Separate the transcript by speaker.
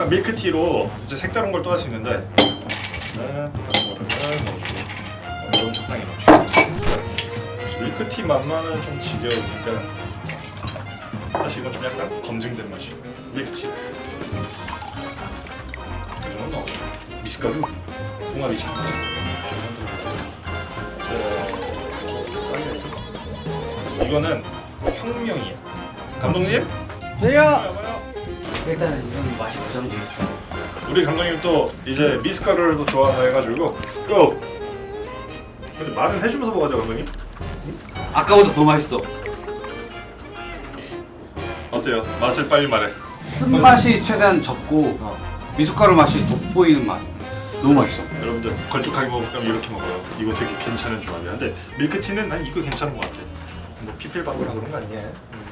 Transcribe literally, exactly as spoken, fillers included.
Speaker 1: 밀크티로 이제 색다른 걸 또 할 수 있는데 네, 똑같은 거를 넣어주고 어, 너무 적당히 넣어주고 밀크티 맛만은 좀 지겨우니까 사실 이건 좀 약간 검증된 맛이에요. 밀크티 이 정도 넣어주고 미숫가루 궁합이 장난 이거는 혁명이에요. 감독님?
Speaker 2: 저요.
Speaker 3: 일단은 이건 맛이 보장돼 있어.
Speaker 1: 우리 감독님 또 이제 미숫가루를 또 좋아한다 해가지고 고! 근데 말은 해주면서 먹어야 돼 감독님?
Speaker 2: 아까보다 더 맛있어.
Speaker 1: 어때요? 맛을 빨리 말해.
Speaker 2: 쓴맛이 최대한 적고
Speaker 1: 어.
Speaker 2: 미숫가루 맛이 돋보이는 맛. 너무 맛있어.
Speaker 1: 여러분들 걸쭉하게 먹을 거면 이렇게 먹어요. 이거 되게 괜찮은 조합이야. 근데 밀크티는 난 이거 괜찮은 것 같아. 뭐 피필 바꾸라 그런 거 아니야? 음.